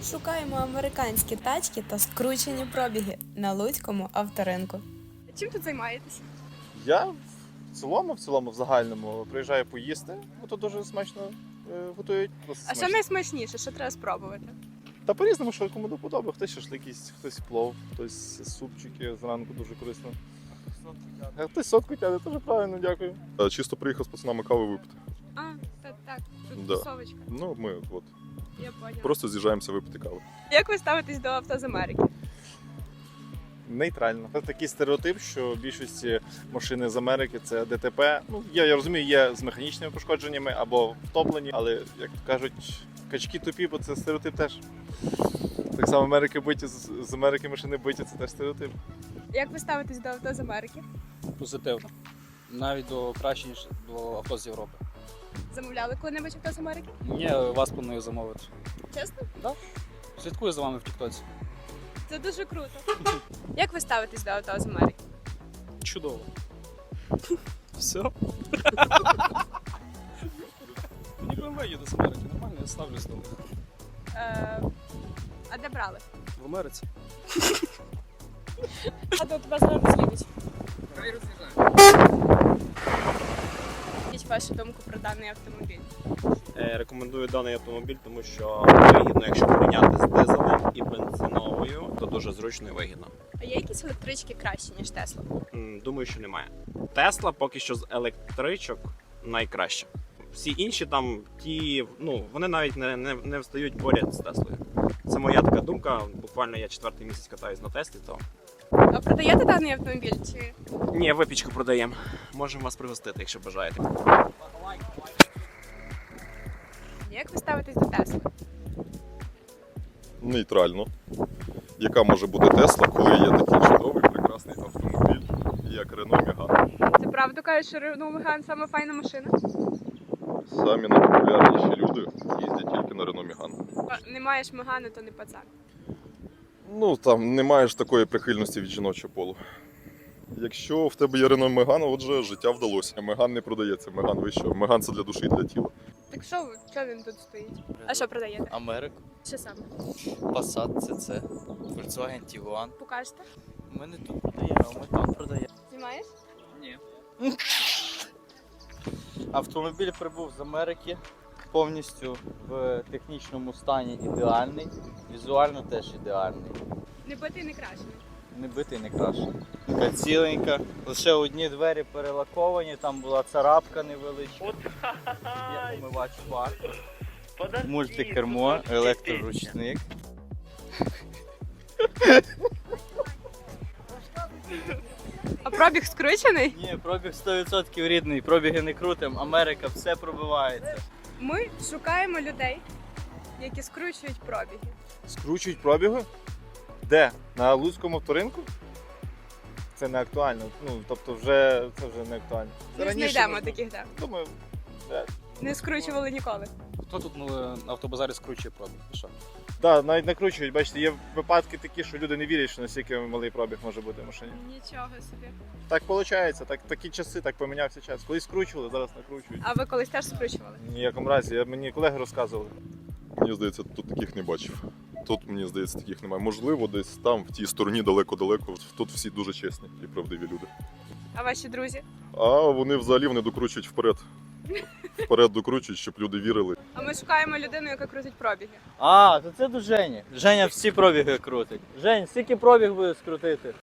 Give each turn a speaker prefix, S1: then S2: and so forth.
S1: Шукаємо американські тачки та скручені пробіги на Луцькому авторинку.
S2: Чим тут займаєтесь?
S3: Я в цілому, в загальному приїжджаю поїсти, бо тут дуже смачно готують.
S2: А що найсмачніше, що треба спробувати?
S3: Та по-різному, що кому до подоби. Хтось шашлик їсть, хтось плов, хтось супчики зранку дуже корисно. А хтось сотку тягне, теж правильно, дякую.
S4: Чисто приїхав з пацанами кави випити.
S2: А, так, тут
S4: Да.
S2: тусовочка.
S4: Ну, ми от
S2: Я поняла.
S4: просто з'їжджаємося випити кави.
S2: Як ви ставитесь до авто з Америки?
S3: Нейтрально. Це такий стереотип, що в більшості машини з Америки це ДТП. Ну, я розумію, є з механічними пошкодженнями або втоплені, але, як то кажуть, качки тупі, бо це стереотип теж. Так само Америки биті, з Америки машини биті, це теж стереотип.
S2: Як ви ставитесь до авто з Америки?
S5: Позитивно. Навіть краще, ніж до авто з Європи.
S2: Замовляли коли-небудь авто з Америки?
S5: Ні, вас планую замовити.
S2: Чесно?
S5: Слідкую за вами в Тіктоці.
S2: Це дуже круто. Як ви ставитесь до авто з Америки?
S5: Чудово. Все. Мені BMW їде з Америки, нормально, я ставлюсь до них.
S2: А де брали?
S5: В Америці.
S2: А до тебе зараз їдуть. Якіть вашу думку про даний автомобіль?
S6: Рекомендую даний автомобіль, тому що вигідно, якщо порівняти з дизелем і бензиновою, то дуже зручно і вигідно.
S2: А є якісь електрички кращі, ніж Тесла?
S6: Думаю, що немає. Тесла поки що з електричок найкраща. Всі інші там, вони навіть не встають поряд з Теслою. Це моя така думка. Буквально я 4-й місяць катаюсь на Теслі, то
S2: А продаєте даний автомобіль? Чи
S6: ні, випічку продаємо. Можемо вас пригостити, якщо бажаєте.
S2: як ви ставитесь до Тесли?
S4: Нейтрально. Яка може бути Тесла, коли є такий чудовий, прекрасний автомобіль, як Renault Megane.
S2: Це правда кажуть, що Renault Megane саме файна машина?
S4: Самі найпопулярніші люди їздять тільки на Renault Megane.
S2: Не маєш Megane, то не пацан.
S4: Ну, там не маєш такої прихильності від жіночого полу. Якщо в тебе є Renault Megane, отже, життя вдалося. Megane не продається, Megane ви що? Megane це для душі і для тіла.
S2: Так що він тут стоїть? А що продаєте?
S7: Америку,
S2: Що саме?
S7: Passat CC, Volkswagen Tiguan.
S2: Покажете?
S7: Ми не тут продаємо, а ми там продаємо.
S2: Знімаєш?
S7: Ні. Автомобіль прибув з Америки, повністю в технічному стані ідеальний, візуально теж ідеальний.
S2: Не битий, не крашений.
S7: Не битий, не крашений. Така ціленька, лише одні двері перелаковані, там була царапка невеличка. Є омивач фар, мультикермо, електроручник.
S2: А пробіг скручений?
S7: Ні, пробіг 100% рідний, пробіги не крутим, Америка все пробивається.
S2: Ми шукаємо людей, які скручують пробіги.
S3: Скручують пробіги? Де? На Луцькому авторинку? Це не актуально. Тобто це вже не актуально. Це
S2: Не
S3: раніше
S2: знайдемо
S3: можна.
S2: таких, де.
S3: Думаю,
S2: Не скручували ніколи.
S5: Хто тут на автобазарі скручує пробіг? Ви що?
S3: да, навіть накручують. Бачите, є випадки такі, що люди не вірять, що настільки малий пробіг може бути в машині.
S2: Нічого собі.
S3: Так виходить, такі часи, так помінявся час. Колись скручували, зараз накручують.
S2: А ви колись теж скручували?
S3: В ніякому разі, мені колеги розказували.
S4: Мені здається, тут таких не бачив. Тут, мені здається, таких немає. Можливо, десь там, в тій стороні, далеко-далеко, тут всі дуже чесні і правдиві люди.
S2: А ваші друзі?
S4: А вони взагалі докручують вперед. Вперед докручують, щоб люди вірили.
S2: А ми шукаємо людину, яка крутить пробіги.
S7: А, то це до Жені. Женя всі пробіги крутить. Жень, скільки пробіг буде скрутити?